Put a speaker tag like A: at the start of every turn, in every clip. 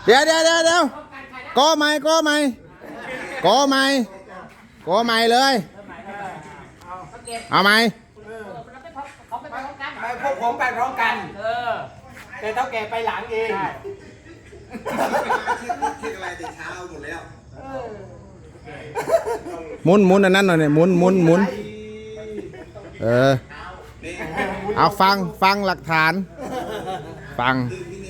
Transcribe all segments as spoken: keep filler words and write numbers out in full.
A: เดี๋ยวเดี๋ยวเดี๋ยวเดี๋ยวก็ไม่ก็ไม่ก็ไม่ก็ไม่เลยเอาไหม
B: ไปพวกผมไปพร้อมกันเออแต่เท่าแก่ไปหลังเอง
C: คิดอะไรแต่เช้าหมดแล้ว
A: หมุนหมุนอันนั้นหน่อยเนี่ยหมุนหมุนหมุนเออเอาฟังฟังหลักฐานฟัง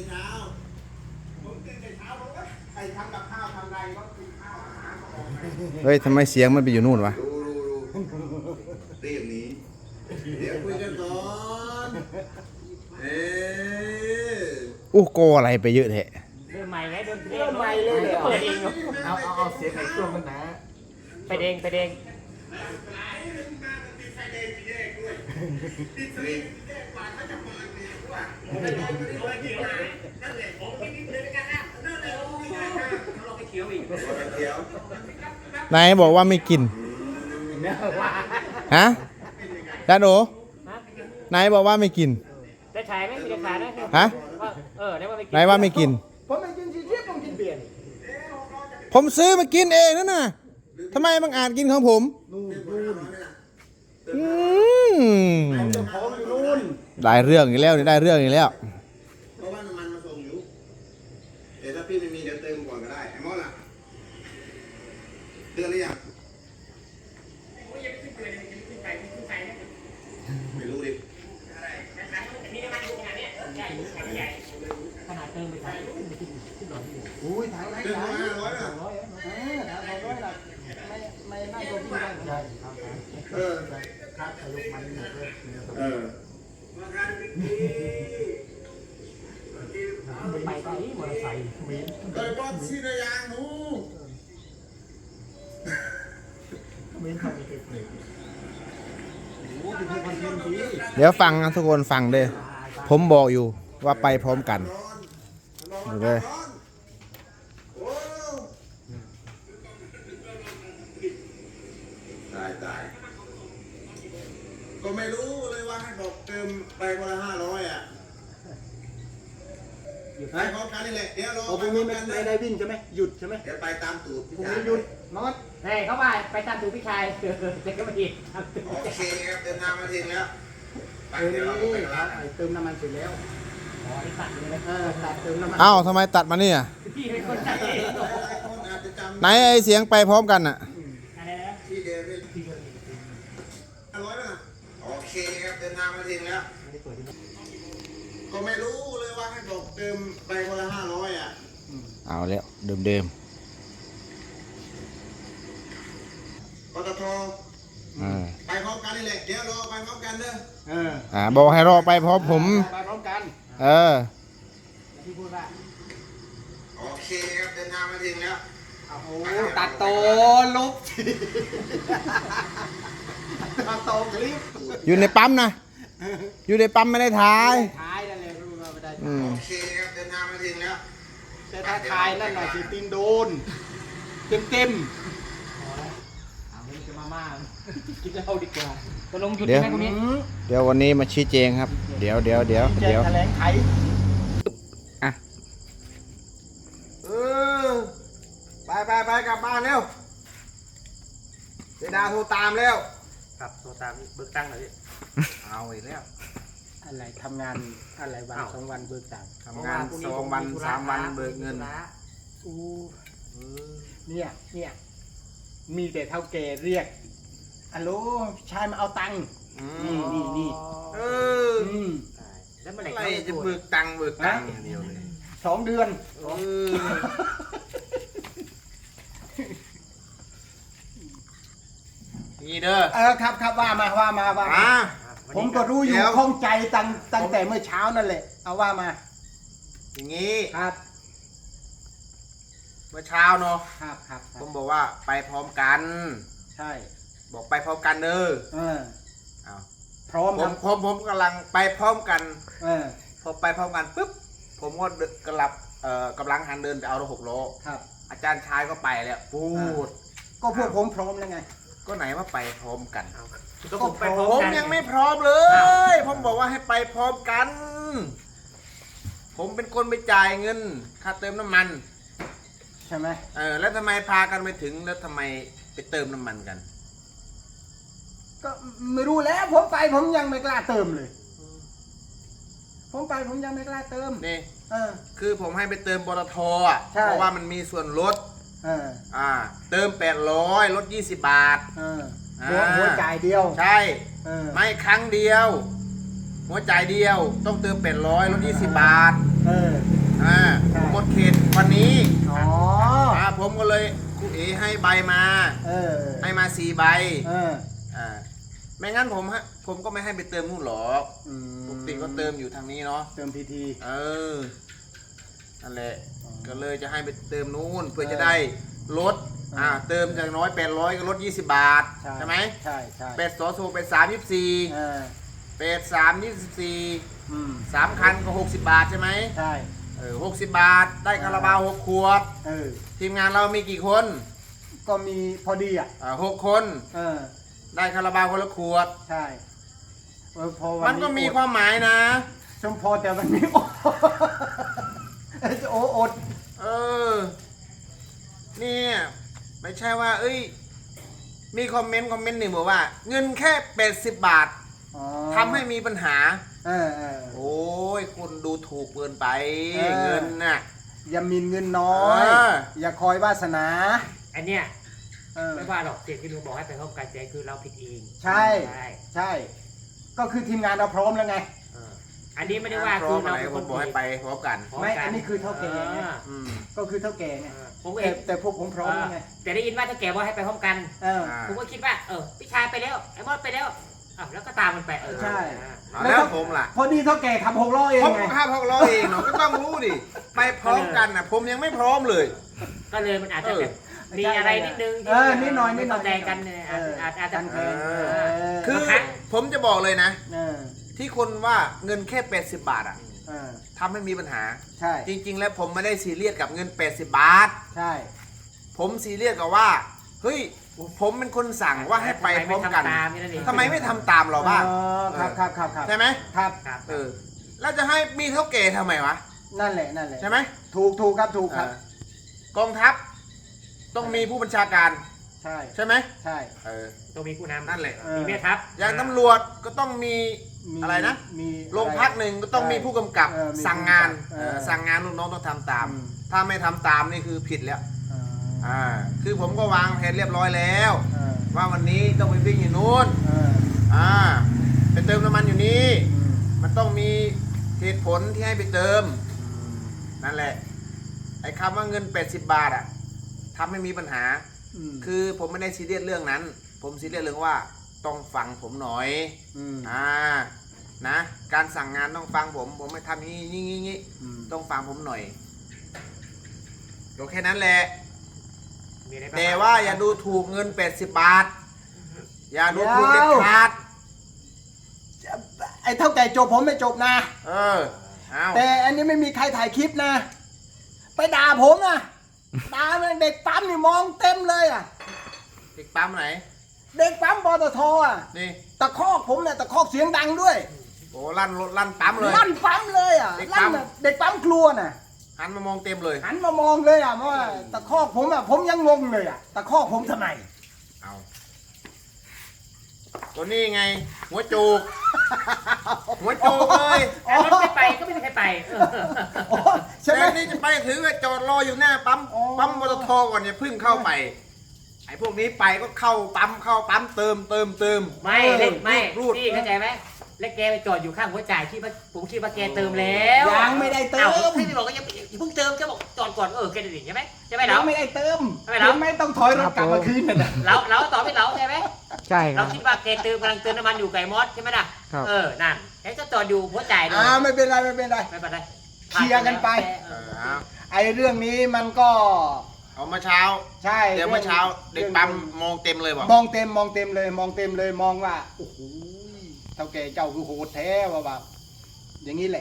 A: เฮ้ยทำไมเสียงมันไปอยู่นู่นวะ
C: ดูดูดูเรียบนี้เดี๋ยวคุยกันก่อนเออ
A: อู้โกอะไรไปเยอะแท้
B: เริ่มใหม่ไงเริ่มเริ่มใหม่เลยเปิดเองเอาเอาเอาเสียงไหนช่วงกันนะไปเด้งไปเด้ง
A: นายบอกว่าไม่กินฮะดานโอนายบอกว่าไม่กิน
B: ได้ขายไหมมีได้ขายนะ
A: ฮะ
B: เออได้ว่าไม่กิน
A: นายว่าไม่กิน
B: ผมไม่กินชีสผมกินเบียร์
A: ผมซื้อมากินเองนั่นน่ะทำไมบางอาจกินของผมอืมได้เรื่องอีกแล้วนี่ได้เรื่องอีกแล้ว
C: เพราะว่าน้ำมันมาส่งอยู่เดี๋ยวถ้าพี่ไม่มีเดี๋ยวเติมก่อนก็ได้ไอ้มอสล่ะเตือนหรือยังไม่รู้ดิ
B: ขนาดเติมไปขายอุ้ยถังไหน
C: เติมมาห้าร้อยนะ
B: เออถังสองร้อยละไม่ไม่น่าจะพี่ได้ใช่
C: เออ
B: ครับสรุปมันหมดเลย
C: เออ
B: ไปไปมอเตอร์ไซค์มีน
C: เติมบอลซีนายางหนู
B: มีนทำเป็นเปลือกโอ้เป็นคนเทียมดี
A: เดี๋ยวฟังนะทุกคนฟังเด้อผมบอกอยู่ว่าไปพร้อมกันโอเค
C: ตายตายก็ไม่รู้เลยว่าให้บอกเติมไปคนละห้าร้อยอ่ะไปพร้อมกันนี่แหละเดี๋ยวรอ
B: โอ้พรุ่งนี้ไม่ไม่ได้วิ่งใช่ไหมหยุดใช่ไหม
C: เดี๋ยวไปตามตูดพี่
B: พรุ่ง
C: ชาย
B: นี้หยุดนอตเฮ้ยเข้าไปไปตามตูพี่ชายเด็กก็มาอีก
C: โอเคครับเดินทางมาถึงแล้วไป
B: เออ
C: เดี๋ยวเราไป
B: นี่
C: กัน
B: ครั
C: ละ
B: บเติมน้ำมันเสร็จแล้วอ๋อนี่ตัดเลยนะเออตัดเติมน้ำมัน
A: เอ้าทำไมตัดมาเนี่ย
B: พี่เป็นคนตัดเอง
C: หลายคนอาจจะจำ
A: ไหนไอเสียงไปพร้อมกันอ่ะ
B: อะไรนะ
C: ที่เดิมนี่ห้าร้อยนะโอเคครับเดินทางมาถึงแล้วก็ไม่รู้เลยว่าให้บอกเติมไปคนละห้าร้อยอ่ะ
A: เอาแล้วเดิม
C: ปตท
A: ๆอ่า
C: ไปพร้อมกันนี่แหละเดี๋ยวรอไปพร้อมกันเด้อ
B: เออ
A: อ่าบอกให้รอไปพร้อมผม
B: ไปพร้อมกัน
A: เออ
B: พี่พูดว่า
C: โอเคครับเดินทางมาถึงแล้ว
B: โอ้โหตัดโตลบตัดโตคลิป
A: อยู่ในปั๊มนะอยู่ในปั๊มไม่ได้ถ่าย
B: ท้ายนั่นเลยรู้ว่าไม่ได้
A: อืม
C: โอเคครับเดินทางมาถึงแล้ว
B: แต่ถ้าทายนั่นหน่อยสิตีนโดนเต็มเต็มเอาเงินจะมาม่ากินเหล้าดีกว่าจะลงหยุด
A: เดี๋ยว
B: ไหมคุณนี้
A: เดี๋ยววันนี้มาชี้แจงครับ เดี๋ยวเดี๋ยวเดี๋ยว
B: แจ
A: เดี๋
B: ก
A: ยว
B: แถลงไข
A: อ่ะ
C: เออไปไปไปกลับบ้านเร็วเจดาโทรตามแล้ว
B: ครับโทรตามเบิกตั้งหน่อยพี่
C: เอาอีกแล้ว
B: อะไรทำงานอะไรวันสองวันเบิกตังค์
C: ทำงานสองวันสามวันเบิกเงิน
B: อู้เนี่ยเนี่ยมีแต่เท่าแก่เรียกอัลโหลชายมาเอาตังค์นี่นี่นี่
C: เออ
B: อืม
C: แล้วเมื่อไหร่จะเบิกตังค์เบิกตังค์อย่างเดียวเลย
B: สองเดือน
C: เออนี่เด้อ
B: เออครับครับว่ามาว่ามาว่ามา
C: อ่า
B: ผมก็รู้อยู่
C: เดี๋ยว
B: ข้องใจตั้งตั้งแต่เมื่อเช้านั่นแหละเอาว่ามา
C: อย่างนี้
B: ครับ
C: เมื่อเช้าเนาะ
B: ครับครับค
C: ผ
B: รับ
C: มบอกว่าไปพร้อมกัน
B: ใช่
C: บอกไปพร้อมกันเด้อ
B: เออ
C: เอา
B: พร้อม
C: ผ
B: ครั
C: ม
B: บ
C: ผมผมกำลังไปพร้อมกัน
B: เออ
C: พอไปพร้อมกันปุ๊บผมก็กำลังเอ่อกำลังหันเดินไปเอารถหกล้อ
B: ครับ
C: อาจารย์ชายก็ไปแล้วพูด
B: ก็พวกผมพร้อมแล้วไง
C: ก็ไหนว่าไปพร้อมกัน
B: ก็ผมไปพร้อ
C: ผม
B: กัน
C: ยังไม่พร้อมเลย ผมบอกว่าให้ไปพร้อมกัน
A: ผมเป็นคนไปจ่ายเงินค่าเติมน้ำมัน
B: ใช่ไหม
A: เออแล้วทำไมพากันไปถึงแล้วทำไมไปเติมน้ำมันกัน
B: ก็ไม่รู้แล้วผมไปผมยังไม่กล้าเติมเลย ผมไปผมยังไม่กล้าเติม
A: นี่
B: เออ
A: คือผมให้ไปเติมปตทอ่ะ
B: ใช่
A: เพราะว่ามันมีส่วนลด
B: เออ
A: อ่าเติมแปดร้อยลดยี่สิบบาท
B: เออ
A: อ่า
B: หัวหัวจ่ายเดียว
A: ใช่
B: เออ
A: ไม่ครั้งเดียว หัวจ่ายเดียว ต้องเติมแปดร้อยลดยี่สิบบาท
B: เออ
A: อ่า
B: ใช่
A: หมดเขตวันนี้
B: อ๋อ
A: อ่าผมก็เลยครูเอให้ใบมา
B: เออ
A: ให้มาสี่ใบ
B: เออ
A: อ่าไม่งั้นผมฮะผมก็ไม่ให้ไปเติมนู่นหรอก
B: อืม
A: ปกติก็เติมอยู่ทางนี้เนาะ
B: เติมพีที
A: เออนั่นแหละ
B: อ๋อ
A: ก็เลยจะให้ไปเติมนู่นเพื่อ
B: เออ
A: จะได้ลด
B: อ่า
A: อ่าเติมจากน้อยแปดร้อยก็ลดยี่สิบบาท
B: ใช่
A: ใช่ไหม
B: ใช่ใช่
A: เป็ดสอสูเป็ดสามยี่สิบสี่
B: เออ
A: เป็ดสามยี่สิบสี่
B: อืม
A: สามคันก็หกสิบบาทใช่ไหม
B: ใช่
A: เออหกสิบบาทได้คาราบาวหกขวด
B: เออ
A: ทีมงานเรามีกี่คน
B: ก็มีพอดีอ่ะ
A: อ่าหกคน
B: เออ
A: ได้คาราบาวคนละขวด
B: ใช่เออพอวั
A: มันก็มีความหมายนะ
B: ชมพอแต่วันนี้ โอโอ้อด
A: เออเนี่ยไม่ใช่ว่า เอ้ย มีคอมเมนต์คอมเมนต์หนึ่งบอกว่า เงินแค่แปดสิบบาท
B: อ๋อ
A: ทำให้มีปัญหา
B: เออเออ
A: โอ้ยคุณดูถูกเกินไป
B: เออ
A: เงินน่ะ
B: อย่ามีเงินน้อย
A: เออ
B: อย่าคอยวาสนา
D: อันเนี้ย
B: เออ
D: ไม่ว่าหรอกเจตที่ลุงบอกให้ไปพบกันใจคือเราผิดเอง
B: ใช่
D: ใช่
B: ใช่ ก็คือทีมงานเราพร้อมแล้วไง
D: เอออันนี้ไม่ได้ว่า
A: พร้
D: คื
A: อ
D: อ
A: มอะ
D: เรา
A: ไร
D: เป็น
A: ผ
D: ค
A: ม
D: น
A: บอกให้ไปพร้อมกัน
D: พร้อ
B: ไม่
D: กั
B: อันนี้คือเท่าแก่ไง
D: ออ
A: อืม
B: ก็คือเท่าแก่ไง
D: เออผมเอ
B: แต่
D: ง
B: แต่พวกผมพร้อมแล้วไง
D: แต่ได้ยินว่าถ้าแกว่าให้ไปพร้อมกัน
B: เออ
A: อ่า
D: ผมก็คิดว่า เออพี่ชายไปแล้วไอ้มอดไปแล้วอ้าวแล้วก็ตามมันไปเออ
B: ใช่
A: เอาแล้วผมล่ะ
B: พอดีเท่าแก่ขับหกล้อเอง
A: ผม
B: ไง
A: ก็ห้าพกร้อยเองเนาะก็ต้องรู้ดิ ไปพร้อมกันนะผมยังไม่พร้อมเลย
D: ก็เลยมันอาจจะแบบ
B: เออ
D: มีอะไรนิดนึง
B: เออนิดหน่อยนิดหน่อย
D: ไม่เข้าใจกันเนี่ยอาจอาจอาจจะ
B: กันแทน
A: เอ
B: เอ
A: อ
B: อ
A: คือ
D: ครั้ง
A: ผมจะบอกเลยนะ
B: เออ
A: ที่คนว่าเงินแค่แปดสิบบาทอ่ะ
B: เออ
A: ทำให้มีปัญหา
B: ใช่
A: จริง ๆ แล้วผมไม่ได้ซีเรียสกับเงินแปดสิบบาท
B: ใช่
A: ผมซีเรียสกับว่า เฮ้ย ผมเป็นคนสั่งว่าให้ไปพร้อมกัน ทำไมไม่ทำตามเราบ้าง
B: อ๋อครับครับครับครับ
A: ใช่ไหม
B: ครับ
D: ครับ
A: เออ แล้วจะให้มีเท่าแก่ทำไมวะ
B: นั่นแหละนั่นแหละ
A: ใช่ไหม
B: ถูกถูกครับถูกครับ
A: เออกองทัพ ต้องมีผู้บัญชาการ
B: ใช่
A: ใช่ไหม
B: ใช่
A: เออ
D: ต้องมีผู้นำ
A: นั่นแหละ
B: เออ
D: มีแม่ทัพ
A: อย่างตำรวจก็ต้องมี
B: มี
A: อะไรนะ
B: มี
A: โรงพักหนึ่งก็ต้องมีผู้กำกับ
B: เออมี
A: สั่งงาน
B: ผู้กำกับ
A: เออ
B: เออ
A: สั่งงานลูกน้องต้องทำตาม
B: อืม
A: ถ้าไม่ทำตามนี่คือผิดแล้ว
B: อ่า
A: อ่า คือผมก็วางแผนเรียบร้อยแล้ว
B: เออ
A: ว่าวันนี้ต้องไปวิ่งอยู่นู้น
B: เออ
A: อ่า ไปเติมน้ำมันอยู่นี่
B: อืม
A: มันต้องมีเหตุผลที่ให้ไปเติม นั่นแหละ ไอ้คำว่าเงินแปดสิบบาทอ่ะทำให้มีปัญหา
B: ม
A: คือผมไม่ได้ซีเรียสเรื่องนั้น ผมซีเรียสเรื่องว่าต้องฟังผมหน่อย
B: ม
A: อ่า นะ การสั่งงานต้องฟังผม ผมไม่ทำอย่างนี้งี้งี้งี้
B: อืม
A: ต้องฟังผมหน่อยก็แค่นั้นแหละ
D: มีอะไรบ้าง
A: แต่ว่าอย่าดูถูกเงินแปดสิบบาท อย่าดูถูกเด็ดขาด
B: ไอ้เท่าแก่จบผมไม่จบนะ
A: เออ เอา
B: แต่อันนี้ไม่มีใครถ่ายคลิปนะ ไปด่าผมนะด่ามันเด็กปั๊มนี่มองเต็มเลยอ่ะ
A: เด็กปั๊มไหน
B: เด็กปั๊มปตทอ่ะ
A: นี่
B: ตะคอกผมเนี่ยตะคอกเสียงดังด้วย
A: โอ้ลั่นรถลั่นปั๊มเลย
B: ลั่นปั๊มเลยอ่ะ
A: เด็กปั๊
B: ลั่น
A: ม
B: แบบเด็กปั๊มครัวน่ะ
A: หันมามองเต็มเลย
B: หันมามองเลยอ่ะว่าตะคอกผมอ่ะผมยังงงเลยอ่ะตะคอกผมทำไม
A: เอาตัวนี้ไง หัวจูก หัวจูกเลย
D: แต่รถไม่ไปก็ไม่มีใครไปเออ
B: อ๋อใช่ไหม
A: แต่นี่จะไปถึงก็จอดรออยู่หน้าปั๊ม
B: อ๋อ
A: ปั๊มปตทก่อนอย่าเพึ่งเข้าไป ไอ้พวกนี้ไปก็เข้าปั๊มเข้าปั๊มเติมเติมเติม
D: ไม่เล็กไม่
A: รูด
D: พี่เข้าใจไหมแล้วแกไปจอดอยู่ข้างหัวจ่ายคิดว่าผมคิดว่าแกเติมแล้ว
B: ยังไม่ได้เติ
D: อ้าม วพี่บอกว่ายังอย่าเพิ่งเติมแกบอกจอดก่อนเออแกจะดิ่งใช่ไหมใช่ไหมเรา
B: ยังไม่ได้เติม
D: ไม่เหรอ
B: ยังไม่ต้องถอยรถกลับมาคืนน่ะ
D: เราเราต่อไม่เราใช่ไหม
E: ใช่ค
D: เรา
E: รับ
D: คิดว่าแกเติมกำลังเติมน้ำมันอยู่ไก่มอสใช่ไหมล่ะ
E: ครับ
D: เออนั่นแกก็จอดอยู่หัวจ่ายเลย
B: อ่าไม่เป็นไรไม่เป็นไร
D: ไม่เป็นไร
B: เคลียร์กันไป
A: เออเอา
B: ไอ้เรื่องนี้มันก็
A: เอามาเช้า
B: ใช่
A: เดี๋ยวเมื่อเช้าเด็กปั๊มมองเต็มเลยบอก
B: มองเต็มมองเต็มเลย มองเต็มเลยมองว่าโอ้โหเท่าแก่เจ้าคือโหดแท้ว่าแบบอย่างนี้แหละ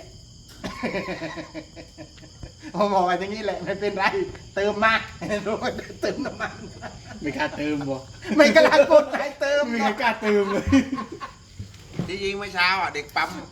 B: ผมบอกว่าอย่างนี้แหละไม่เป็นไร เติมมารู้ว่าเติมน้ำมัน
E: ไม่กล้าเติมบ่
B: ไม่กล้ากดให้เติม
E: ไม่กล้าเติมเลย
A: ที่ยิงเมื่อเช้าอ่ะเด็กปั๊มโท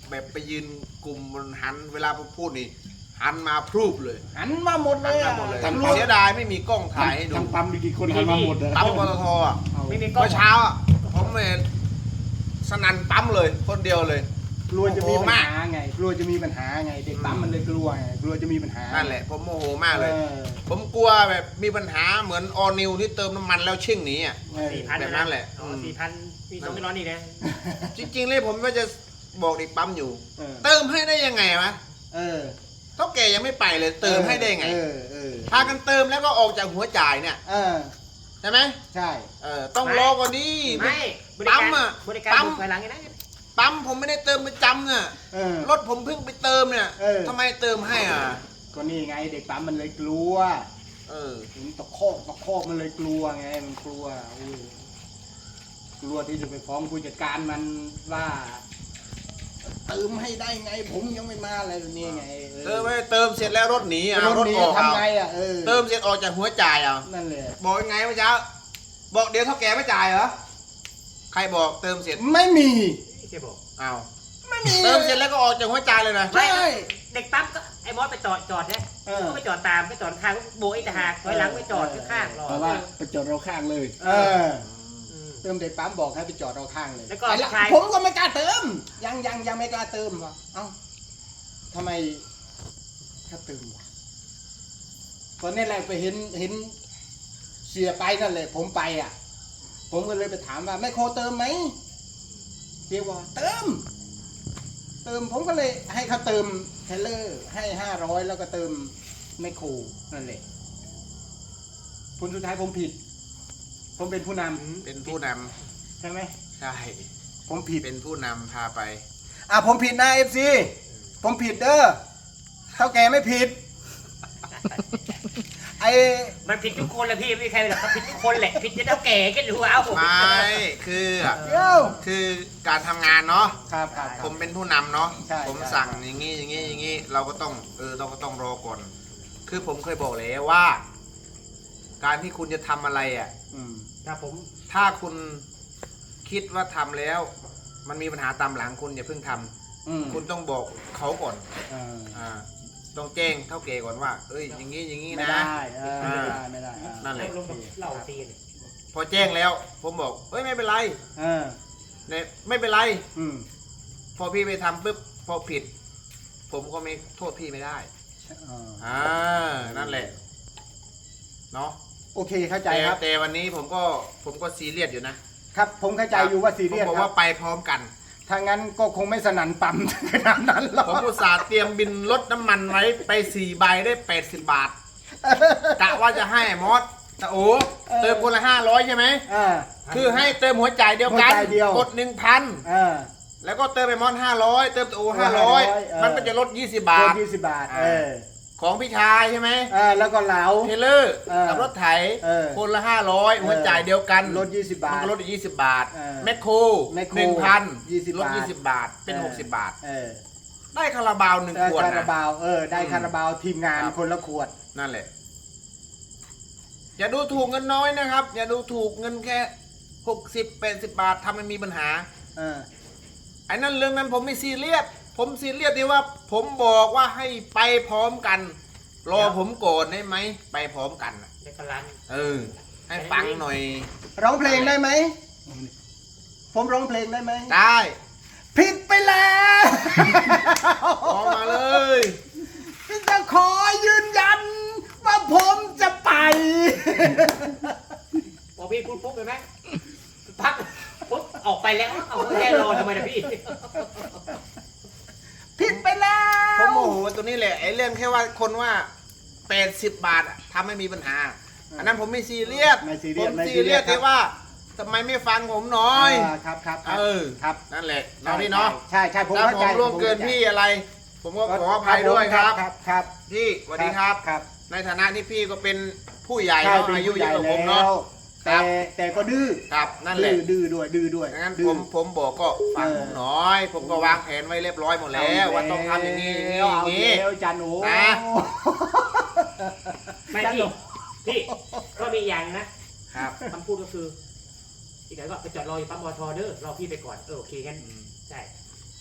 C: แบบไปยืนกลุ่มบนหันเวลาผมพูดนี่หันมาพรูปเลย
B: หันมาหมดเล
C: หัน
B: ย
C: มา
B: อะ
C: หมดเลย
B: ตำรวจ
C: เสียดายไม่มีกล้องถ่ายให้ดู
B: ทางปั๊มมีกี่คนหันมาหมดเลย
C: ปั๊มปตทอ่ะ
D: ไม่มีกล้อง
C: เมื่อเช้าอ่ะผมเห็นสนั่นปั๊มเลยคนเดียวเลย
B: กลัวจะมี
C: โอ้โห
B: ปัญ
C: มาก
B: หาไงกลัวจะมีปัญหาไงเด็กปั๊มมันเลยกลัวไงกลัวจะมีปัญหา
C: นั่นแหละผมโมโหมากเลย
B: ออ
C: ผมกลัวแบบมีปัญหาเหมือนออนิวที่เติมน้ำมันแล้วชิ่งหนีอ่ะ
B: เออ
D: สี่พัน
C: แบบนั้นแหละ
D: อ๋อสี่พันมีสองไม่ร้อนนี่นะ
C: จริงๆเลยผมก็จะบอกเด็กปั๊มอยู่
B: เออ
C: เติมให้ได้ยังไงวะ
B: เออ
C: เท่าแกยังไม่ไปเลยเติมให้ได้ไง
B: เออเออ
C: พากันเติมแล้วก็ออกจากหัวจ่ายเนี่ย
B: เออ
C: ใช่ไหม
B: ใช่
C: เออต้องรอกว่านี้
D: ไม่บริ
C: ปั๊
D: การ
C: มอ่ะ
D: บริการ
C: ปั๊ม
D: บุกภายหลังไงนะ
C: ปั๊มผมไม่ได้เติมประจำเนี่ย
B: เออ
C: รถผมเพิ่งไปเติมเนี่ย
B: เออ
C: ทำไมเติมให้อ่ะ
B: ก็นี่ไงเด็กปั๊มมันเลยกลัว
C: เออ
B: ถึงตะโคอกตะโคอกมันเลยกลัวไงมันกลัวอุ้ยกลัวที่จะไปฟ้องผู้จัดการมันว่าเติมให้ได้ไง ผมยังไม่มาอะไรแบบนี้ไง
C: เติมไปเติมเสร็จแล้วรถหนีอ่ะ
B: รถ
C: รถ
B: นี้
C: ออกเอา
B: ทำไงอ่ะเออ
C: เติมเสร็จออกจากหัวจ่ายอ่ะ
B: นั่นแหละ
C: บอกยังไงเมื่อเช้าบอกเดี๋ยวเท่าแกไม่จ่ายเหรอใครบอกเติมเสร็จ
B: ไม่มี
D: เจ๊บอก
C: อ้าว
B: ไม่มี
C: เติมเสร็จแล้วก็ออกจากหัวจ่ายเลยนะ
B: ใช่
D: เด็กปั๊มก็ไอ้มอสไปจอดจอดเนี่ย
B: เออ
D: ก็ไปจอดตามไปจอดข้างโบยตะหากถอยหลังไปจอดข้างๆรอ
B: เพราะว่าไปจอดเราข้างเลย เออ
D: อืม
B: เติมเด็กปั๊มบอกให้ไปจอดเราข้างเลย
D: แล้วก็
B: ไอ้
D: ผู้ชาย
B: ผมก็ไม่กล้าเติม ยังยังยังไม่กล้าเติมวะเอ้าทำไมถ้าเติมวะตอนนี้แหละไปเห็นเห็นเสียไปนั่นแหละผมไปอ่ะ ผมก็เลยไปถามว่าแม่โคเติมไหมเรียกว่าเติม เติมผมก็เลยให้เขาเติมเทเลอร์ให้ห้าร้อยแล้วก็เติมแมคโครนั่นแหละผลสุดท้ายผมผิด ผมเป็นผู้นำ
C: เป็นผู้นำ
B: ใช่ไหม
C: ใช่
B: ผมผิด
C: เป็นผู้นำพาไป
B: อ่ะผมผิดนะเอฟซีผมผิดเด้อเท่าแกไม่ผิด ไอ
D: มันผิดทุกคนแหละพี่ไม่มีใครหรอกมันผิดทุกคนแหละผิดจะเท่าแก่ก็รู้เอา
C: ไม่คือ
B: เดี๋ยว
C: คือการทำงานเนาะ
B: ครับครับค
C: ผ
B: รับ
C: มเป็นผู้นำเนาะ
B: ใช่
C: ผม
B: ใช่
C: สั่งอย่างนี้อย่างนี้อย่างนี้เราก็ต้องเออเราก็ต้องรอก่อน คือผมเคยบอกแล้วว่า การที่คุณจะทำอะไรอ่ะ
B: อืม
D: ครับผม
C: ถ้าคุณคิดว่าทำแล้ว มันมีปัญหาตามหลังคุณอย่าเพิ่งทำ
B: อืม
C: คุณต้องบอกเขาก่อน
B: เออ
C: อ่าต้องแจ้งเท่าแก่ก่อนว่า เอ้ยอย่างนี้อย่างนี้
B: ไม่
C: นะ
B: ได้เออไม่ได้ไม่ได้อ่า
C: นั่นแหละ
D: ลงกับเหล่าตีน
C: พอแจ้งแล้ว ผมบอกเอ้ยไม่เป็นไร
B: เออ
C: เนี่ยไม่เป็นไร
B: อืม
C: พอพี่ไปทำปุ๊บพอผิด ผมก็ไม่โทษพี่ไม่ได้
B: เออ
C: อ่านั่นแหละเนาะ
B: โอเคเข้าใจ
C: แต่
B: ครับ
C: แต่วันนี้ผมก็ผมก็ซีเรียสอยู่นะครับ
B: ผมเข้าใจอยู่ว่าซีเรียส
C: ผมบอก
B: ครั
C: ว่า
B: บ
C: ไปพร้อมกัน
B: ถ้างั้นก็คงไม่สนั่นปั๊ม ขนาดนั้นหรอก
C: ผมอุตส่าห์เตรียมบินลดน้ำมันไว้ไปสี่ใบได้แปดสิบบาทกะว่าจะให้มอสแต่โอ้เติมคนละห้าร้อยใช่ไหม
B: อ่า
C: คือให้เติมหัวจ่ายเดียวกัน
B: หัวจ่ายเดียว
C: กดหนึ่งพัน
B: อ่า
C: แล้วก็เติมไปมอสห้าร้อยเติมโอห้าร้อย
B: เออ
C: มันก็จะลดยี่สิบบา
B: โด
C: ท
B: นยี่สิบบาท เออ
C: ของพี่ชายใช่ไหม
B: เออแล้วก็เหลา
C: เทเลอร์
B: เออ
C: กับรถไถ
B: เออ
C: คนละห้าร้อยหัวจ่ายเดียวกัน
B: ลดยี่สิบบา
C: มัน
B: ท
C: ก็ลดอีกยี่สิบบาท
B: เออ
C: แมคโคร
B: แมคโคร
C: หนึ่งพัน
B: ยี่สิบ
C: ลด
B: บาท
C: ยี่สิบบาทเป็น
B: เออ
C: หกสิบบาท
B: เออ
C: ได้คาราบาวหนึ่ง
B: ได้
C: ขวด
B: คารา
C: นะ
B: บาวเออได้
C: อืม
B: คาราบาวทีมงาน
C: ครับ
B: คนละขวด
C: นั่นแหละ อย่าดูถูกเงินน้อยนะครับ อย่าดูถูกเงินแค่หกสิบแปดสิบบาททำให้มีปัญหา
B: เออ
C: ไอ้นั่นเรื่องนั้นผมไม่ซีเรียสผมซีเรียสที่ว่า ผมบอกว่าให้ไปพร้อมกัน รอผมก่อนได้ไหมไปพร้อมกันน่ะ
D: แล้วก็ร้าน
C: เออ ให้ฟังหน่อย
B: ร้องเพลงได้ไหม ผมร้องเพลงได้ไหม
C: ได้
B: ผิดไปแล้ว
C: ออกมาเลย
B: จะขอยืนยัน ว่าผมจะไป
D: พอพี่พูดปุ๊บเห็นไหมพักปุ๊บออกไปแล้วเอาแค่รอทำไมนะพี่
B: ผิดไปแล้
C: ผม
B: ว
C: โมโหตัวนี้แหละไอ้เรื่องแค่ว่าคนว่าแปดสิบบาทอะทำให้มีปัญหา อันนั้นผมไม่ซีเรียส
B: ไม่ซีเรี
C: ผ
B: ยส
C: ม
B: ไม่
C: ซี
B: ซีเรี
C: เรี
B: ย
C: ย
B: ส
C: ส
B: ครับ
C: ที่ว่าทำไมไม่ฟังผมหน่อย
B: าครับครับครับ
C: เออ
B: ครับ
C: นั่นแหละเนาะพี่เนาะ
B: ใช่ใช่ผม
C: ถ้า
B: เข้า
C: ผ
B: ใจ
C: มร่วมเกินพี่อะไร ผมก็ขออภัยด้วยครับ
B: ครับครับ
C: พี่สวัสดีครับ
B: ครับ
C: ในฐานะที่พี่ก็เป็นผู้ใหญ่
B: ใช่
C: เนาะ
B: เป็น
C: อายุ
B: ผู้
C: เย
B: ใหญ่
C: อะกว่าผม
B: แล้
C: เนาะ
B: วแต่แต่ก็ดื้อ
C: ครับนั่นแหละ
B: ดื้อดื้อด้วยดื้อด้วย
C: งั้น
B: ดื้
C: ผ
B: อ
C: มผมบอกก็ฟัง
B: เออ
C: ผมหน่อย ผมก็วางแผนไว้เรียบร้อยหมดแล้ว ว่าต้องทำอย่างนี้อย่างนี้อย่างนี้
B: เอาแล้วจันโอ้
C: นะ
D: ไม่พี่พี่ก็มีอย่างนะครับ คำพูดก็คือ อีกหน่อยก็ไปจอดรออยู่ปั๊มปตทเด้อรอพี่ไปก่อนเออโอเคงั้นใช่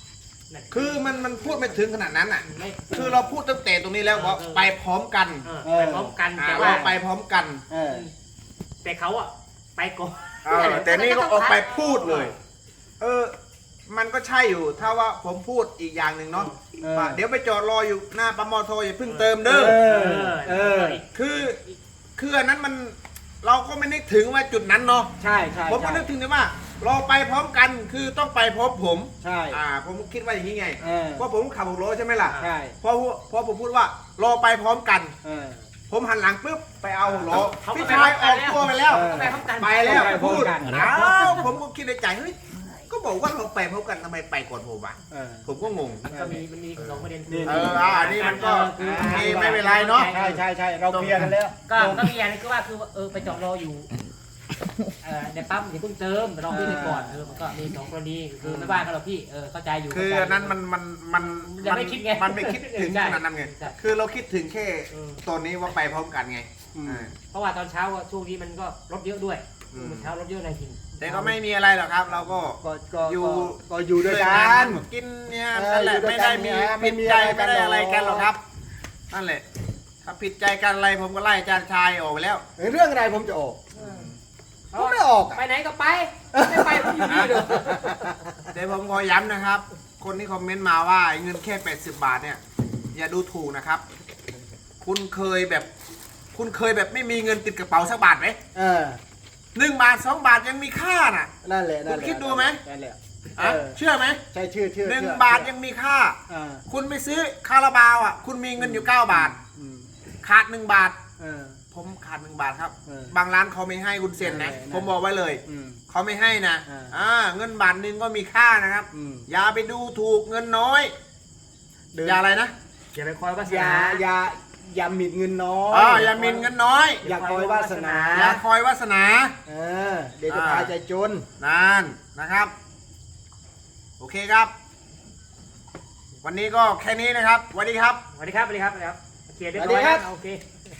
D: นั่น
C: คือมันมันพูดไม่ถึงขนาดนั้นอ่ะ
D: ไม่
C: คือเราพูดตั้งแต่ตรงนี้แล้วว่าไปพร้อมกัน
D: เออไปพร้อมกัน
C: อ่า
D: แต่
C: เรา
D: ว่า
C: ไปพร้อมกัน
B: เออ
D: แต่เขาอะไปก่อน
C: เออแต่นี่ก็ออกไปพูดเลย เออ มันก็ใช่อยู่ ถ้าว่าผมพูดอีกอย่างหนึ่งเนาะ
B: เออ
C: ว่าเดี๋ยวไปจอดรออยู่หน้าปั๊มมอโทอย่าเพิ่งเติมเด้อ
B: เอ
D: เอ
B: อ
D: อ
B: เออ
C: คือคืออันนั้นมันเราก็ไม่นึกถึงว่าจุดนั้นเนาะ
B: ใช่ใช่
C: ผมก็
B: ใช่
C: นึกถึงแต่ว่าเราไปพร้อมกันคือต้องไปพร้อมผม
B: ใช่
C: อ่า ผมคิดว่าอย่างนี้ไง
B: เออ
C: เพราะผมขับหกล้อใช่ไหมล่ะ
B: ใช่
C: เพราะเพราะผมพูดว่ารอไปพร้อมกัน
B: เออ
C: ผมหันหลังปุ๊บไปเอาหกล้อ
D: เขาก็
C: พี่
D: ไป
C: ชาย
D: พ
C: อ
D: ร้อ
C: อ
D: ม
C: ก
D: กันแล้ว
C: ตัวไปแล้ว
B: เออ
D: ก็ไปพร้อมกัน
C: ไปแล้ว
B: ไปพร้อม
C: พูด
B: กัน
C: อ้าวผมก็คิดในใจเฮ้ยก็บอกว่าเราไปพร้อมกันทำไมไปก่อนผมอ่ะ
B: เออ
C: ผมก็งง
D: มันก็มีมันมีสองประเด็น
B: นี่
C: เอออ่านี่มันก็
D: คือ
C: โอเคไม่เป็นไรเนาะ
B: ใช่ใช่ใช่เราเคลียร์กันแล้ว
D: ก็ก็มีอย่างนึงก็ว่าคือเออไปจอดรออยู่เออในปั๊มอย่าเพิ่งเติมรอพี่ไปก่อนเออมันก็มีสองกรณีคือไม่ว่ากันหรอกพี่เออเข้าใจอยู่
C: คืออันนั้นมันมันมัน
D: ยังไม่คิดไง
C: มันไม่คิดถึงขนาดนั้นไง
D: ใช่
C: คือเราคิดถึงแค่
D: เออ
C: ตอนนี้ว่าไปพร้อมกันไง
B: อืม
C: อ่า
D: เพราะว่าตอนเช้าอะช่วงนี้มันก็รถเยอะด้วย
C: อืม
D: เมื่อเช้ารถเยอะในทิ้ง
C: แต่ก็ไม่มีอะไรหรอกครับ เราก็
B: ก็ก็
C: อยู่
B: ก็ก็อยู่ด้วยกั
C: าน กินเนี่ย
B: เออ
C: นั่นแหละ
B: อยู่ด้วย
C: ไม่ได้
B: กัน
C: มี
B: เนี่ยไม่
C: ผิด
B: มี
C: ใจ
B: อะไรกั
C: ไม่
B: น
C: ได้อะไรกันห
B: ห
C: ร
B: ร
C: อ
B: อก
C: กครับนั่นแหละถ้าผิดใจกันอะไรผมก็ไล่อาจารย์ชายออกไปแล้ว
B: เรื่องอะไรผมจะออก ผมไม่ออกอะ
D: ไปไหนก็ไปไม่ไปผมอยู่นี่เด้อ
C: แต่ผมขอย้ำนะครับ คนที่คอมเมนต์มาว่าเงินแค่แปดสิบบาทเนี่ยอย่าดูถูกนะครับ คุณเคยแบบ คุณเคยแบบไม่มีเงินติดกระเป๋าสักบาทไหม
B: เออ
C: หนึ่งบาทสองบาทยังมีค่าน่ะ
B: นั่นแหละนั่นแหละ
C: คุณคิดดูไหม
B: นั่นแหละ
C: อ่ะ
B: เออ
C: เชื่อไหม
B: ใช่ชื่อชื่อ
C: หนึ่ง
B: เชื่อบ
C: าทยังมีค่า
B: อ่า
C: คุณไปซื้อคาราบาวอ่ะ คุณมีเงินอยู่เก้าบาท
B: อืม
C: ขาดหนึ่งบาท
B: เออ
C: ผมขาดหนึ่งบาทครับ
B: เออ
C: บางร้านเขาไม่ให้คุณเซ็นนะ
B: เออ
C: ผมบอกไว้เลย
B: อืม
C: เขาไม่ให้นะ
B: อ่า
C: อ่าเงินบาทหนึ่งก็มีค่านะครับ
B: อืม
C: อย่าไปดูถูกเงินน้อย
B: เดิน
C: อย่าอะไรนะ
D: อย่าไปคอยวาส
B: อย่า
D: นา
B: อย่าอย่าหมิ่นเงินน้อย
C: อ๋ออย่าหมินเงินน้อย
B: อย่าคอยวาสนา
C: อย่าคอยวาสนา
B: เออ เดี๋ยวจะพาใจจน
C: นั่นนะครับ โอเคครับ วันนี้ก็แค่นี้นะครับสวัสดีครับ
D: สวัสดีครับสวัสดีครับสวัสดีครับเคลียร์เรียบ
B: สวัสดี
D: ร้อย
B: ครั
D: แล้
B: บ
D: วโอเค